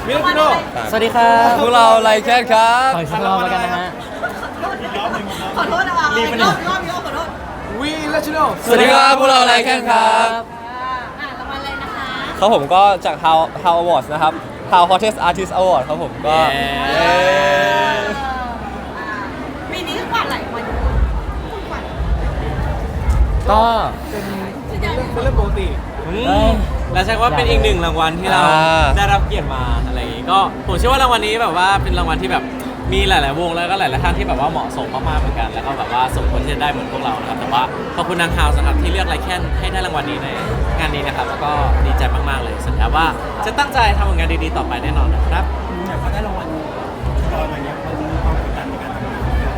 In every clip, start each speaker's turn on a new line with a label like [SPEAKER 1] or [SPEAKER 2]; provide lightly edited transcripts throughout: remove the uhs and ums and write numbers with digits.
[SPEAKER 1] มิลโน
[SPEAKER 2] สวัสดีครับ
[SPEAKER 3] พวกเราไลแคนครับ
[SPEAKER 2] ขออีกสักรอบแล้วกันนะฮะ
[SPEAKER 4] ขอโทษนะคะรอบขอโทษ
[SPEAKER 1] วีเลชิโน
[SPEAKER 3] สวัสดีครับพวกเราไลแคนครับ
[SPEAKER 4] รางวัลอะไรนะคะ
[SPEAKER 3] ครับผมก็จาก How Awards นะครับ How Hottest Artist Award ครับผมก็
[SPEAKER 4] ปีนี้กวาดหลายคนกวาด
[SPEAKER 2] ก็
[SPEAKER 1] เป็นเรื่องปกติ
[SPEAKER 5] และใช่ว่าเป็นอีกหนึ่งรางวัลที่เราได้รับเกียรติมาอะไรอย่างงี้ก็ผมเชื่อว่ารางวัลนี้แบบว่าเป็นรางวัลที่แบบมีหลายๆวงแล้วก็หลายๆท่านที่แบบว่าเหมาะสมมากๆเหมือนกันแล้วก็แบบว่าสมควรที่จะได้เหมือนพวกเรานะครับแต่ว่าขอบคุณนางฮาวสำหรับที่เลือกไลแคนให้ได้รางวัลนี้ในงานนี้นะครับแล้วก็ดีใจมากๆเลยสัญญาว่าจะตั้งใจทำผลงานดีๆต่อไปแน่นอนนะครับ
[SPEAKER 1] พอได้รางวัลตอนนี้มันมีความกดดันในการทำงาน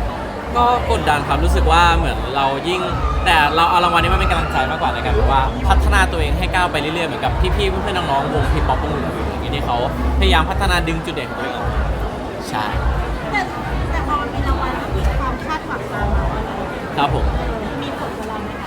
[SPEAKER 5] ก็กดดันครับรู้สึกว่าเหมือนเรายิ่งแต่เราเอารางวัลนี้มาเป็นกำลังใจมากกว่าในการแบบว่าพัฒนาตัวเองให้ก้าวไปเรื่อยๆเหมือนกับพี่ๆเพื่อนๆน้องๆวงทีป๊อปวงอื่นๆอย่างนี้ที่เขาพยายามพัฒนาดึงจุดเด่นของตัวเองออกมาใช่
[SPEAKER 4] แต่พอมันมีรางวัลก็มีความคาดหวังตามมา
[SPEAKER 5] ครับผม
[SPEAKER 4] มีผลกับเราไหมคะ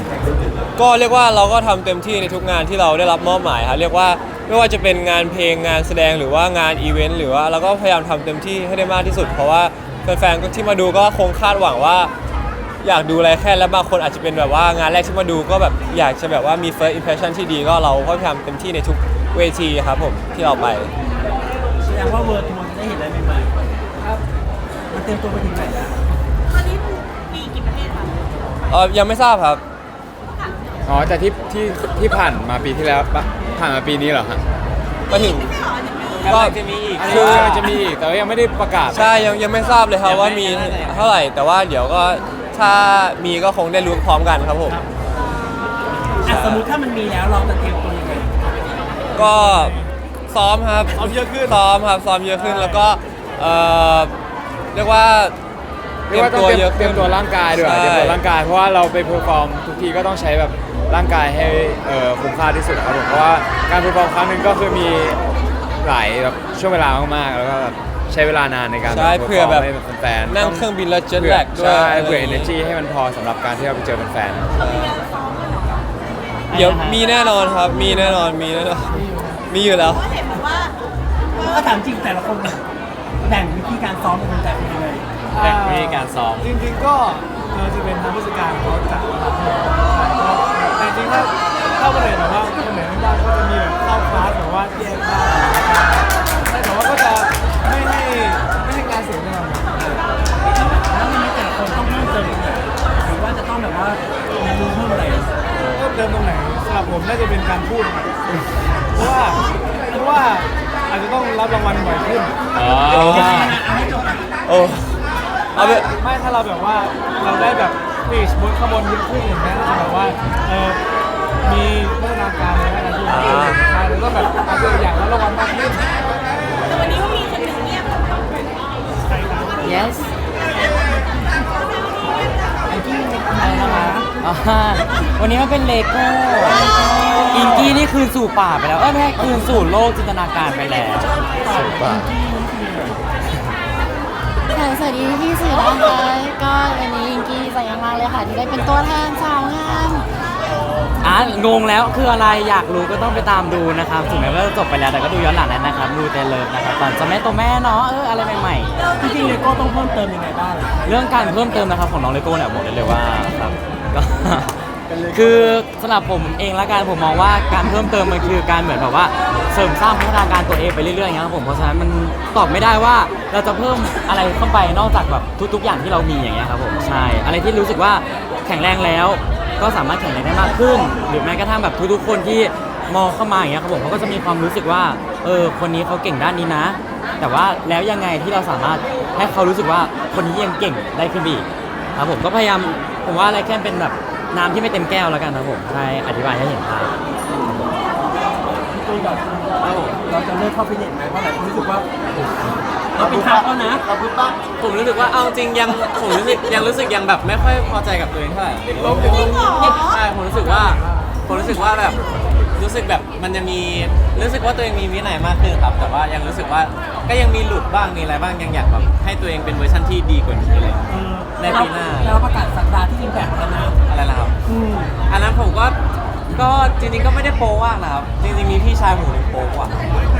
[SPEAKER 3] ก็เรียกว่าเราก็ทำเต็มที่ในทุกงานที่เราได้รับมอบหมายครับเรียกว่าไม่ว่าจะเป็นงานเพลงงานแสดงหรือว่างานอีเวนต์หรือว่าเราก็พยายามทำเต็มที่ให้ได้มากที่สุดเพราะว่าแฟนๆที่มาดูก็คงคาดหวังว่าอยากดูอะไรแค่แล้วบางคนอาจจะเป็นแบบว่างานแรกที่มาดูก็แบบอยากจะแบบว่ามี first impression ที่ดีก็เราก็พยายามเต็มที่ในทุกเวทีครับผมที่เราไป
[SPEAKER 1] แสดงว่าเวิร์ทัวร์จะได้เห็นอะไรใหม่ๆครับมันเตรียมตัวไปถึงไหนแล้ว
[SPEAKER 4] ตอนนี้มีกี่ประเทศคะ
[SPEAKER 3] ยังไม่ทราบครับ
[SPEAKER 6] อ๋อแต่ที่ผ่านมาปีที่แล้วปะผ่านมาปีนี้เหรอฮะ
[SPEAKER 3] มาถึง
[SPEAKER 5] กำลังจะมีอีก
[SPEAKER 6] คือมันจะมีอีกแต่ว่ายังไม่ได้ประกาศ
[SPEAKER 3] ใช่ยังไม่ทราบเลยครับว่ามีเท่าไหร่แต่ว่าเดี๋ยวก็ถ้ามีก็คงได้รู้พร้อมกันครับผม
[SPEAKER 1] สมมติถ้ามันมีแล้วเราจะเตรียมตัวยังไง
[SPEAKER 3] ก็ซ้อมครับซ้อมเยอะขึ้นซ้อมครับซ้อมเยอะขึ้นแล้วก็เรียกว่า
[SPEAKER 6] เรียกว่าต้องเตรียมตัวร่างกายด้วย
[SPEAKER 3] ใช่
[SPEAKER 6] เตรียมตัวร่างกายเพราะว่าเราไปเพอร์ฟอร์มทุกทีก็ต้องใช้แบบร่างกายให้คุ้มค่าที่สุดครับผมเพราะว่าการเพอร์ฟอร์มครั้งหนึงก็คือมีหลายแบบช่วงเวลามากๆแล้วก็แบบใช้เวลานานในการ
[SPEAKER 3] ใช่เพื่อแบบ
[SPEAKER 6] ให้แฟนๆ
[SPEAKER 3] นั่งเครื่องบินแล้วเจ็ตแลกด้วย
[SPEAKER 6] ใช่เผื่อ energy ให้มันพอสำหรับการที่เราไปเจอแฟนๆ
[SPEAKER 3] เดี๋ยวมีแน่นอนครับมีแน่นอนมีอยู่แล้ว
[SPEAKER 4] ก็เห็นแบบว่า
[SPEAKER 1] ถ้าถามจริงแต่ละคนแบ่งวิธีการซ้อมเป็นแบบยังไง
[SPEAKER 5] แบ่งวิธีการซ้อม
[SPEAKER 1] จริงๆก็จะเป็นทางผู้จัดการเขาจัดนะครับแต่จริงๆถ้าวันไหนแบบว่าคนไหนไม่ได้ก็จะมีแบบเข้าคลาสแบบว่าแยกบ้างแต่ว่าก็จะไม่ให้การเสียเวลาแล้วมันแต่ละคนต้องเพิ่มเติมหรือว่าจะต้องแบบว่าเรียนรู้เพิ่มอะไรเพิ่มเติมตรงไหนสำหรับผมน่าจะเป็นการพูดเพราะว่าอาจจะต้องรับรางวัลบ่อยขึ้น
[SPEAKER 3] โอ้เอาไป
[SPEAKER 1] ไม่ถ้าเราแบบว่าเราได้แบบปีชบนข้างบนยิ่งขึ้นอย่างเงี้ยเราแบบว่ามีพัฒนาการในด้านที่ดีใช่แล้วก็แบบอาจจะอยากรับรางวัลมากขึ้น
[SPEAKER 4] แต่วันนี้ก็มีคนหนึ่งเงียบ
[SPEAKER 2] yes
[SPEAKER 1] ไอ้ที่อะไรนะคะ
[SPEAKER 2] อ่าวันนี้มันเป็นเลโก้อิงกี้นี่คืนสู่ป่าไปแล้วไม่ใช่คืนสู่โลกจินตนาการไปแล้ว
[SPEAKER 7] ค่ะสวัสดีพี่สื่อนะคะก็วันนี้อิงกี้ดีใจมากๆเลยค่ะที่ได้เป็นตัวแทนสาวงาม
[SPEAKER 2] งงแล้วคืออะไรอยากรู้ก็ต้องไปตามดูนะครับถึงแม้ว่าจะจบไปแล้วแต่ก็ดูย้อนหลังได้นะครับดูเตเลิฟนะครับตอนจะแม่ตัวแม่เนาะอะไรใหม่ๆ
[SPEAKER 1] จริงๆเลโก้ต้องเพิ่มเติมยังไงบ้าง
[SPEAKER 2] เรื่องการเพิ่มเติมนะครับของน้องเลโก้เนี่ยบอกได้เลยว่าครับก็ คือสำหรับผมเองละกันผมมองว่าการเพิ่มเติมมันคือการเหมือนแบบว่าเสริมสร้างพัฒนาการตัวเองไปเรื่อยๆอย่างเงี้ยครับผมเพราะฉะนั้นมันตอบไม่ได้ว่าเราจะเพิ่มอะไรเข้าไปนอกจากแบบทุกๆอย่างที่เรามีอย่างเงี้ยครับผมใช่อะไรที่รู้สึกว่าแข็งแรงแล้วก็สามารถแข็งแรงได้มากขึ้น หรือแม้กระทั่งแบบทุกๆคนที่มองเข้ามาอย่างเงี้ยครับผมเขาก็จะมีความรู้สึกว่าคนนี้เขาเก่งด้านนี้นะ แต่ว่าแล้วยังไงที่เราสามารถให้เขารู้สึกว่าคนนี้ยังเก่งได้ขึ้นอีกครับผมก็พยายามผมว่าอะไรแค่เป็นแบบน้ำที่ไม่เต็มแก้วแล้วกันครับผมใช่อธิบายให้เห็นภาพ
[SPEAKER 1] ตัวแบบเราจะเลิกเข้าฟิตเนสไหมเพราะหลายคนรู้สึกว่าเราเป็นทางแล้วนะเราพูดปั๊บ
[SPEAKER 5] ผมรู้สึกว่าเอาจริงผมรู้สึกยังแบบไม่ค่อยพอใจกับตัวเองเท่าไหร่
[SPEAKER 4] จริงเหรอ
[SPEAKER 5] ใช่ผมรู้สึกว่าแบบรู้สึกแบบมันจะมีรู้สึกว่าตัวเองมีวินัยมากขึ้นครับแต่ว่ายังรู้สึกว่าก็ยังมีหลุดบ้างมีอะไรบ้างยังอยากแบบให้ตัวเองเป็นเวอร์ชันที่ดีกว่านี้เลยในปีหน้า
[SPEAKER 1] เราประกาศสัปดาห์ที่อิมแพคแล้วนะ
[SPEAKER 5] อะไรนะครับอันนั้นผมก็จริงๆก็ไม่ได้โป๊มากนะครับจริงๆมีพี่ชายผมหนึ่งโป๊กว่า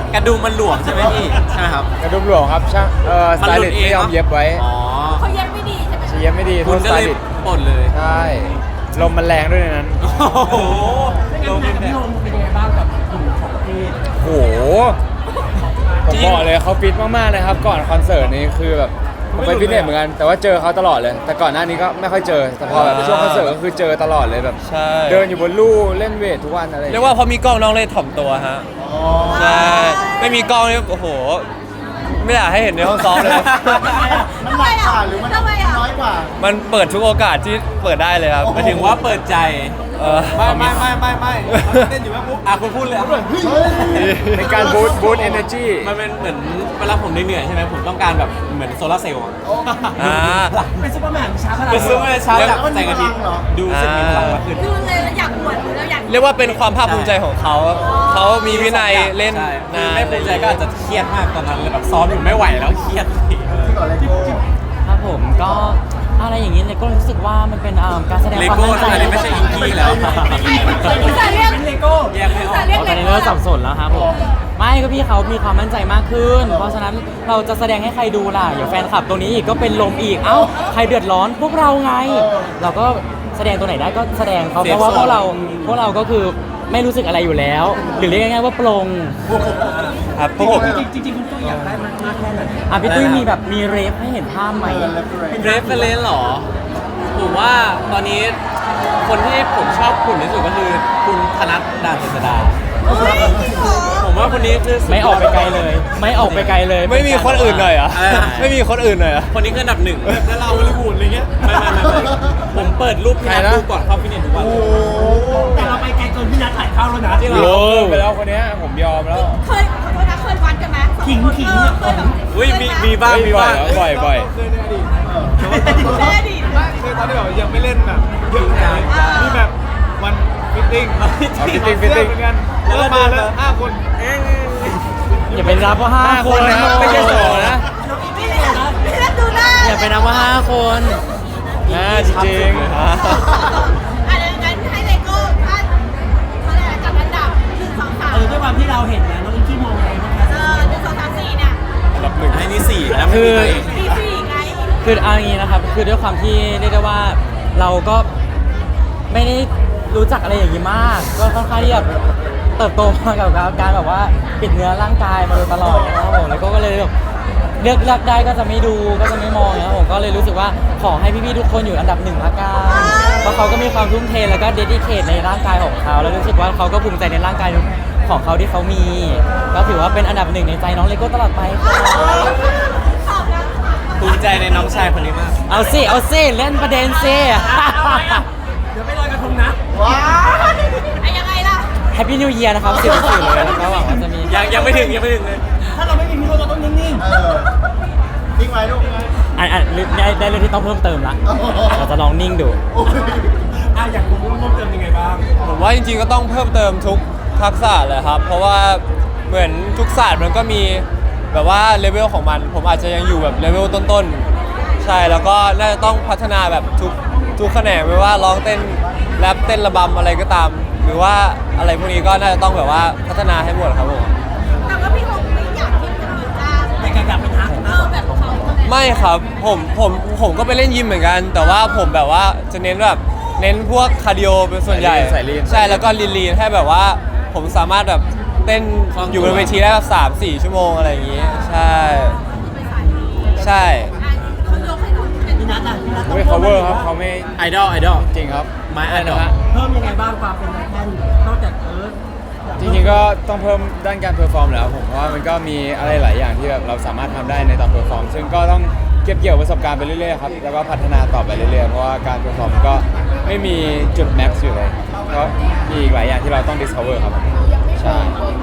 [SPEAKER 5] กระดุมมันหลวมใช่ไหมพี่ใช่ไหมครับ
[SPEAKER 6] กระดุมหลวงครับช่างสไตลิสต์ไม่ยอมเย็บไว้
[SPEAKER 5] อ๋อ
[SPEAKER 4] เขาเย็บไม่ดีใช่ไหม
[SPEAKER 6] เย็บไม่ดีโท
[SPEAKER 5] คุณ
[SPEAKER 6] ษส
[SPEAKER 5] ก็
[SPEAKER 6] ไต
[SPEAKER 5] เลย
[SPEAKER 6] ลิสต์
[SPEAKER 5] ปลดเลย
[SPEAKER 6] ใช่ลมมันแรงด้วยในนั้น
[SPEAKER 5] โอ้โหลง
[SPEAKER 1] พี่โอมเป็นยังไงบ้างกับกลุ่มของพี่
[SPEAKER 6] โหผมบอกเลยเขาฟิตมากๆเลยครับก่อนคอนเสิร์ตนี้คือแบบผมไปฟิตเนสเหมือนกันแต่ว่าเจอเขาตลอดเลย แต่ก่อนหน้านี้ก็ไม่ค่อยเจอแต่พอแบบช่วงคอนเสิร์ตก็คือเจอตลอดเลยแบบ
[SPEAKER 3] ใช่
[SPEAKER 6] เดินอยู่บนลู่เล่นเวททุกวันอะไรอง
[SPEAKER 3] เรียกว่าพอมีกล้องน้องเลยถ่อมตัวฮะใช่ไม่มีกล้องนี่โอ้โห ไม่อยากให้เห็นในห้องซ้อมเลย
[SPEAKER 4] ทำไมอ่ะหรือมันทำไมอ่ะน้อยกว่า
[SPEAKER 3] มันเปิดทุกโอกาสที่เปิดได้เลยครับ
[SPEAKER 5] หมายถึงว่าเปิดใจ
[SPEAKER 1] ไม่เต้นอยู่แม่ปุ๊บ
[SPEAKER 5] อ่ะคุณพูดเลยอ่ะ
[SPEAKER 6] ในการบูตเอเนอร์จี
[SPEAKER 5] มันเป็นเหมือนเวลาผมเหนื่อยๆใช่ไหมผมต้องการแบบเหมือนโซลาร์เซลล์อะ
[SPEAKER 3] อ่า
[SPEAKER 1] เป็นซุปเปอร์แมนช้าขนาด
[SPEAKER 5] เป็นซื้อมาเช้าจากแสงอาทิตย์
[SPEAKER 1] เหรอ
[SPEAKER 5] ดูรู้สึกมีพลังมากขึ้น
[SPEAKER 4] ดูเลยแล้วอยากอวดแล้วอยาก
[SPEAKER 3] เรียกว่าเป็นความภาคภูมิใจของเขา เขามีวินัยเล่น
[SPEAKER 5] ใช่
[SPEAKER 3] นาน
[SPEAKER 5] ไม่ภูมิใจก็อาจจะเครียดมากตอนนั้นเลยแบบซ้อมอยู่ไม่ไหวแล้วเครียด
[SPEAKER 2] ครับผมก็อะไรอย่างนี้เลยก็รู้สึกว่ามันเป็นการแสดง
[SPEAKER 5] เล
[SPEAKER 2] ความ
[SPEAKER 5] โก้
[SPEAKER 2] มั่นใจ
[SPEAKER 5] อันนี้ไม่ใช่อิงกี้แล้ว
[SPEAKER 4] จะเรียก
[SPEAKER 1] เลโก้
[SPEAKER 5] แยกไม่ออก
[SPEAKER 4] จะเรียก
[SPEAKER 2] ตอนนี้เริ่มสับสนแล้วครับผมไม่ก็พี่เขามีความมั่นใจมากขึ้น เพราะฉะนั้นเราจะแสดงให้ใครดูล่ะเดี๋ยวแฟนคลับตัวนี้อีกก็เป็นลมอีกเอ้าใครเดือดร้อนพวกเราไง เราก็แสดงตัวไหนได้ก็แสดงเขาเพราะว่าพวกเราก็คือไม่รู้สึกอะไรอยู่แล้ว หรือเรียกง่ายๆว่าปลง
[SPEAKER 3] ครับพวกผม
[SPEAKER 1] จริงๆคุณตุ้ยอยากได้มากแค่ไหน
[SPEAKER 2] อ่ะพี่ตุ้ยมีแบบมีเรฟให้เห็นภาพไหม
[SPEAKER 5] เรฟเฟรนซ์หรอ ผมว่าตอนนี้คนที่ผมชอบคุณที่สุดก็คือคุณธนัทดานเจษฎา
[SPEAKER 4] เฮ้ยจริงเหรอ
[SPEAKER 5] ผมว่าคนนี้คือ
[SPEAKER 2] ไม่ออกไปไกลเลย ไม่ออกไปไกลเลย
[SPEAKER 3] ไม่มีคนอื่นหน่อยเหรอ
[SPEAKER 5] อะไรนะ
[SPEAKER 3] ไม่มีคนอื่นหน่อยเหรอ
[SPEAKER 5] คนนี้คืออันดับหนึ่ง
[SPEAKER 1] แล้วเราฮอลลีวูดอะไรเงี้ย
[SPEAKER 5] ไม่ผมเปิดรูปพี่นัทดูก่อนเข้าฟิตเนสทุกวัน
[SPEAKER 1] แต่เราไปไกลเกินพี่นัทถ่ายเข้าแล้วนะ
[SPEAKER 5] จริงเหร
[SPEAKER 6] โล
[SPEAKER 5] อ
[SPEAKER 6] ไปแล้วคนเนี้ยผมยอมแล้ว
[SPEAKER 4] เคยขอโทษนะเคยวัดกันไหมสองคน
[SPEAKER 1] ขิง
[SPEAKER 4] เคยแบบ
[SPEAKER 5] อุ้ยมีบ้างมีบ้าง
[SPEAKER 6] บ่อยบ่อย
[SPEAKER 1] เคยในอดีต
[SPEAKER 4] เคยอดีตว่า
[SPEAKER 1] เคยตอนที่แบบยังไม่เล่นแบบเยอะขนาดนี้มีแบบวันฟิตติ้ง
[SPEAKER 6] เอาฟิตติ้งฟิตติ้ง
[SPEAKER 1] เหมือนกันแล้วมาแล้ว5 คน
[SPEAKER 2] อย่าไปนับว่า5 คน
[SPEAKER 6] นะครับไม่ใช่2นะ
[SPEAKER 4] พี่นัทดูหน้า
[SPEAKER 2] อย่าไปนับว่า5 คน
[SPEAKER 6] จริง
[SPEAKER 4] อันนั้นให้เลโก้ท่านเขาเรียกอะไรจัดอันดับ1 2 3
[SPEAKER 1] ด้วยความที่เราเห็นนะน้องอิงกี้มองไงบ้างคะ
[SPEAKER 4] 1 2 3 4เนี่ย
[SPEAKER 6] อันดับหนึ่ง
[SPEAKER 5] ไอ้นี่สี่แล้วไม่มีตัวเอง
[SPEAKER 4] ดีสี่ไง
[SPEAKER 2] คือเอาอย่างนี้นะครับ คือด้วยความที่เรียกได้ว่าเราก็ไม่ได้รู้จักอะไรอย่างนี้มาก ก็ค่อนข้างที่จะเติบโตมากับการแบบว่าปิดเนื้อร่างกายมาโดยตลอดนะครับผมแล้วก็เลยแบบเลือกได้ก็จะไม่ดูก็จะไม่มองนะครับผมก็เลยรู้สึกว่าขอให้พี่ๆทุกคนอยู่อันดับ1ละกันเพราะเขาก็มีความทุ่มเทแล้วก็เดดิเคทในร่างกายของเขาแล้วรู้สึกว่าเขาก็ภูมิใจในร่างกายของเขาที่เขามี ก็ถือว่าเป็นอันดับ1ในใจน้องเลโก้ตลอดไปค่ะ
[SPEAKER 4] ตอบแล้ว
[SPEAKER 5] ภูมิใจในน้องชายคนนี้มาก
[SPEAKER 2] เอาสิเล่นประเด็นสิ
[SPEAKER 1] เดี๋ยวไปลอยกระทงนะ
[SPEAKER 4] ไอ้ยังไงล่ะ
[SPEAKER 2] แฮปปี้นิวเยียร์นะครับสื่อเลยแล้วก็หวังว่าจะมี
[SPEAKER 5] ยังไม่ถึงเลย
[SPEAKER 1] ถ้าเราไม่มีพิรุธเราต้องนิ่ง
[SPEAKER 8] นิ่งไว้ลูกนิ่งไว้
[SPEAKER 2] ได้เรื่องที่ต้องเพิ่มเติมละเราจะลองนิ่งดู
[SPEAKER 1] อยากรู้ว่าเพิ่มเติมยังไงบ้าง
[SPEAKER 3] ผมว่าจริงๆก็ต้องเพิ่มเติมทุกทักษะเลยครับ เพราะว่าเหมือนทุกศาสตร์มันก็มีแบบว่าเลเวลของมัน ผมอาจจะยังอยู่แบบเลเวลต้นๆ ใช่ แล้วก็น่าจะต้องพัฒนาแบบทุกแขนงไม่ว่าร้องเต้นแรปเต้นระบำอะไรก็ตาม หรือว่าอะไรพวกนี้ก็น่าจะต้องแบบว่าพัฒนาให้หมดครับผม
[SPEAKER 4] แต่ว่าพี่คงไม่อยากที่จะมีจ้า
[SPEAKER 1] แต่แกอยากเป็นฮักนะ
[SPEAKER 4] แบบเขา
[SPEAKER 3] ไม่ครับผมก็ไปเล่นยิมเหมือนกัน แต่ว่าผมแบบว่าจะเน้นแบบเน้นพวกคาร์ดิโอเป็นส่วนใหญ่
[SPEAKER 6] สายลีน
[SPEAKER 3] ใช่แล้วก็ลีนให้แบบว่าผมสามารถแบบเต้นอยู่บนเวทีได้แบบ3-4 ชั่วโมงอะไรอย่างงี้ ใช่ใช่
[SPEAKER 4] เขายกให้คุณเป็น
[SPEAKER 1] พี่นัทอ่ะพี่นัทต้อง
[SPEAKER 6] ไม่ cover ครับเขาไม่
[SPEAKER 5] ไอดอล
[SPEAKER 6] จริงครับ
[SPEAKER 5] ไม้ไอดอล
[SPEAKER 1] เพิ่มยังไงบ้างความเป็นนักแข่งนอกจาก
[SPEAKER 6] จริงๆก็ต้องเพิ่มด้านการเพอร์ฟอร์มแล้วผมเพราะว่ามันก็มีอะไรหลายอย่างที่แบบเราสามารถทำได้ในตอนเพอร์ฟอร์มซึ่งก็ต้องเก็บเกี่ยวประสบการณ์ไปเรื่อยๆครับแล้วก็พัฒนาต่อไปเรื่อยๆเพราะว่าการเพอร์ฟอร์มก็ไม่มีจุดแม็กซ์อยู่เลยก็มีอีกหลายอย่างที่เราต้อง discover ครับใช่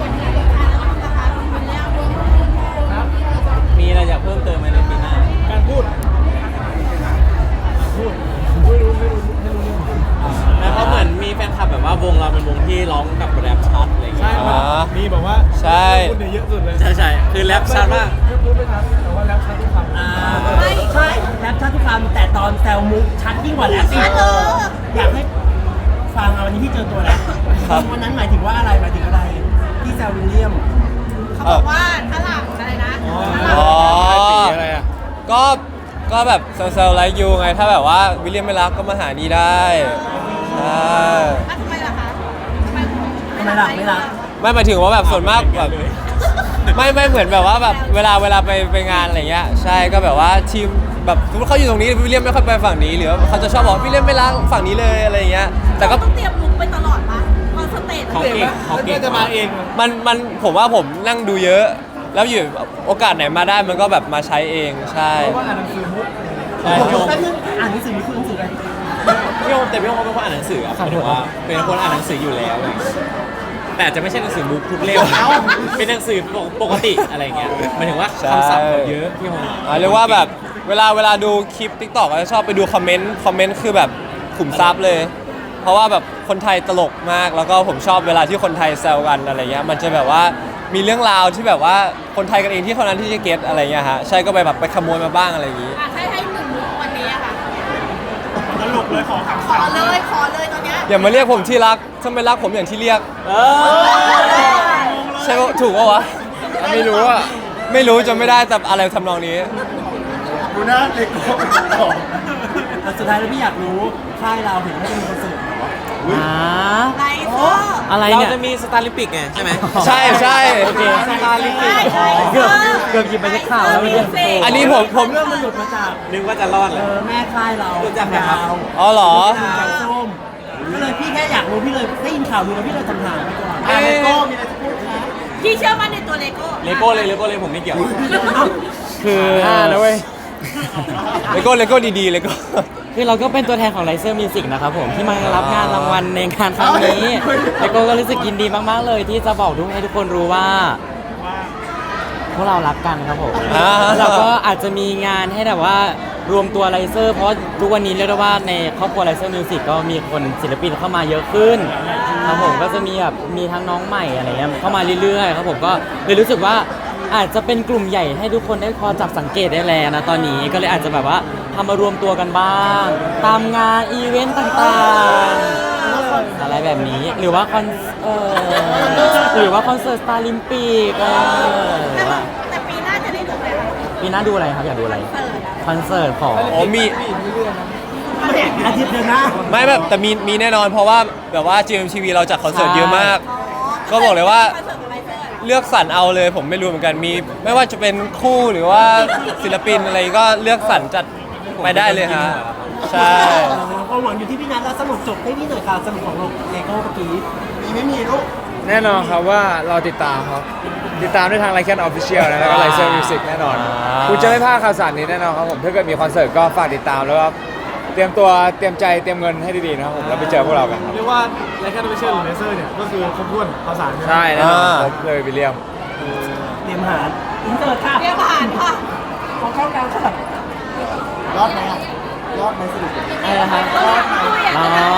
[SPEAKER 5] มีอะไรอยากเพิ่มเติมไหมในปีหน้า
[SPEAKER 1] การพูด
[SPEAKER 5] นะเพราะเหมือนมีแฟนคลับแบบว่าวงเราเป็นวงที่ร้องกับแรปชัดอะไรอย่างเงี้
[SPEAKER 1] ใช่
[SPEAKER 5] ย
[SPEAKER 1] มันมีแบบว่า
[SPEAKER 3] ใช่
[SPEAKER 1] พูดเนี่ยเยอะสุดเลย
[SPEAKER 5] ใช่คือแรปชัดมาก
[SPEAKER 1] พูดไม่ชัดแต่ว่าแรปชัดทุกคำ
[SPEAKER 4] ไม่
[SPEAKER 1] ใช่แรปชัดทุกคำแต่ตอนแซวมุกชัดยิ่งกว่าแรปอีกอยากให้ฟังเอาวันนี้พี่เจอตัวแล้ววันนั้นหมายถึงว่าอะไรหมายถึงอะไรที่แซววิลเลียม
[SPEAKER 4] เขาเขาบอกว่าถ้าหลังอะไรนะ
[SPEAKER 3] อ๋อ
[SPEAKER 6] ตีอะไรอ่ะ
[SPEAKER 3] ก็แบบเซลล์ไลค์ยูไงถ้าแบบว่าวิลเลียมไม่รักก็มาหานี่ได้ใช่
[SPEAKER 4] ทำไมล่ะคะทำไม
[SPEAKER 8] ไม่รักไม่รัก
[SPEAKER 3] ไม่หมายถึงว่าแบบส่วนมากแบบไม่เหมือนแบบว่าแบบเวลาไปงานอะไรเงี้ยใช่ก็แบบว่าทีมแบบสมมติเขาอยู่ตรงนี้วิลเลียมไม่ค่อยไปฝั่งนี้หรือว่าเขาจะชอบบอกวิลเลียมไม่รักฝั่งนี้เลยอะไรเงี้ยแต่ก็
[SPEAKER 4] ต้องเตรียมลุกไปตลอดปะออนสเตจ
[SPEAKER 5] เขาเก่งเขาเก่ง
[SPEAKER 1] จะมาเอง
[SPEAKER 3] มันผมว่าผมนั่งดูเยอะ แล้วอยู่โอกาสไหนมาได้มันก็แบบมาใช้เองใช่
[SPEAKER 1] เพราะว่าอ่านหนังสือมุก
[SPEAKER 5] ใช่พี่โอม
[SPEAKER 8] แป๊บนึงอ่านหนังสือนี่คือหนังสืออะไร
[SPEAKER 5] พี่โอมแต่พี่โอมเป็นคนอ่านหนังสืออะหมายถึงว่าเป็นคนอ่านหนังสืออยู่แล้วอะไรอย่างเงี้ยแต่อาจจะไม่ใช่หนังสือบุ๊กทุกเล่มเป็นหนังสือปกติอะไรอย่างเงี้ยหมายถึงว่าคำศัพท์เขาเยอะพี่โอม
[SPEAKER 3] เรียกว่าแบบเวลาดูคลิป TikTok ก็จะชอบไปดูคอมเมนต์คือแบบขุมทรัพย์เลย เพราะว่าแบบคนไทยตลกมากแล้วก็ผมชอบเวลาที่คนไทยแซวกันอะไรเงี้ยมันจะแบบว่ามีเรื่องราวที่แบบว่าคนไทยกันเองที่เท่านั้นที่จะเก็ตอะไรเงี้ยฮะใช่ก็ไปแบบไปขโมยมาบ้างอะไรอย่างงี้
[SPEAKER 4] ให้หนึ่งลุกวันนี้อะค่ะ
[SPEAKER 1] ตลกเลยขอคำ
[SPEAKER 4] ขอเลยตอนเนี้ย
[SPEAKER 3] อย่ามาเรียกผมที่รักถ้าไม่รักผมอย่างที่เรียก ใช่ปะถูกปะวะ
[SPEAKER 6] ไม่รู้อ่ะ
[SPEAKER 3] ไม่รู้จำไม่ได้แต่อะไรทำนองนี้
[SPEAKER 8] ดูหน้าเด็กแต่สุดท้ายแล้วพี่อยากรู้ค่ายเราเห็นว่าจะมีคอนเสิร์ตเหรอ
[SPEAKER 2] อ่า
[SPEAKER 4] ไลฟ์เซอร์
[SPEAKER 2] อะไร
[SPEAKER 5] เรา
[SPEAKER 2] เนี่ย
[SPEAKER 5] จะมีสตาร์ลิมปิกไงใช่ไหม
[SPEAKER 3] ใช่ใช่
[SPEAKER 2] โอเค
[SPEAKER 5] สตาร์ลิมปิก
[SPEAKER 2] เกือบหยิบไปจะข่าวแล้วเมื่อกี้
[SPEAKER 3] อันนี้ผม
[SPEAKER 8] เรื่องมันหลุดมาจาก
[SPEAKER 5] นึกว่าจะรอดเลย
[SPEAKER 8] แม่ค่ายเรา
[SPEAKER 5] รู้จักไหมครับ
[SPEAKER 3] อ๋อเหรอ
[SPEAKER 8] แกงส้มก็เลยพี่แค่อยากรู้พี่เลยได้ยินข่าวดูแล้วพี่เลยถามไปก่อนเลโก้มีอะไรจะพูดคะ
[SPEAKER 4] พี่เชื่อมั่นในตัวเลโก้
[SPEAKER 5] เลโก้เลยผมไม่เกี่ยว
[SPEAKER 2] คือ
[SPEAKER 6] นะเว้ย
[SPEAKER 3] เลโก้ดีๆเลโก้
[SPEAKER 2] คือเราก็เป็นตัวแทนของ Riser Music นะครับผมที่มารับงานรางวัลในงานครั้งนี้แล้วก็รู้สึกยินดีมากๆเลยที่จะบอกให้ทุกคนรู้ว่าพวกเรารักกันครับผม
[SPEAKER 3] อ่า
[SPEAKER 2] เราก็อาจจะมีงานให้แบบว่ารวมตัวไรเซอร์เพราะทุกวันนี้เรียกได้ว่าในครอบครัวไรเซอร์มิวสิกก็มีคนศิลปินเข้ามาเยอะขึ้นครับผมก็จะมีแบบมีทั้งน้องใหม่อะไรเงี้ยเข้ามาเรื่อยๆครับผมก็เลยรู้สึกว่าอาจจะเป็นกลุ่มใหญ่ให้ทุกคนได้พอจับสังเกตได้แล้วนะตอนนี้ก็เลยอาจจะแบบว่าทำมารวมตัวกันบ้าง ตามงานอีเวนต์ต่างๆอะไรแบบนี้หรือว่าคอนหรือว่าคอนเสิร์ตสตาร์ลิมปิก
[SPEAKER 4] แต่ปีหน้าจะได้ดูไหมคะ
[SPEAKER 2] ปีหน้าดูอะไรครับอยากดูอะไรคอนเสิร์ตของ
[SPEAKER 3] อ๋อมี
[SPEAKER 8] อาทิตย์เดียวนะ
[SPEAKER 3] ไม่แบบแต่มีแน่นอนเพราะว่าแบบว่า GMTV เราจัดคอนเสิร์ตเยอะมาก ก็บอกเลยว่า
[SPEAKER 4] คอนเสิร์ตของไลฟ์เซอร์อะ
[SPEAKER 3] เลือกสรรเอาเลยผมไม่รู้เหมือนกันมี ไม่ว่าจะเป็นคู่หรือว่าศิลปินอะไรก็เลือกสรรจัดไปได้เลยฮะใช่
[SPEAKER 8] ความหวังอยู่ที่พี่นัทแล้วสรุปจบให้พี่หน่อยค่ะสรุปของเลโก้เมื่อกี้มีไม่มีลูก
[SPEAKER 6] แน่นอนครับว่าเราติดตามครับติดตามได้ทางไลค์แคนออฟฟิเชียลนะแล้วก็ไลเซอร์มิวสิกแน่นอนคุณจะไม่พลาดข่าวสารนี้แน่นอนครับผมถ้าเกิดมีคอนเสิร์ตก็ฝากติดตามแล้วก็เตรียมตัวเตรียมใจเตรียมเงินให้ดีๆนะครับผมแล้วไปเจอพวกเรากันครับ
[SPEAKER 1] เรียกว่าไรแค่ไม่เชื่อหรือเลเซอร์เนี่ยก็คือครบถ้วนภาษา
[SPEAKER 6] ใช่แน่นอนครบเลยวิลเลียม
[SPEAKER 8] เตรียมหารอินเตอร์ค่ะ
[SPEAKER 4] เรียกผ่านค่ะ
[SPEAKER 8] ของเข้ากลางค่ะรอดไหมอ่ะรอดไหมสรุป
[SPEAKER 2] อะไรนะครับ
[SPEAKER 4] เราอยากรู้อยากจะแบบ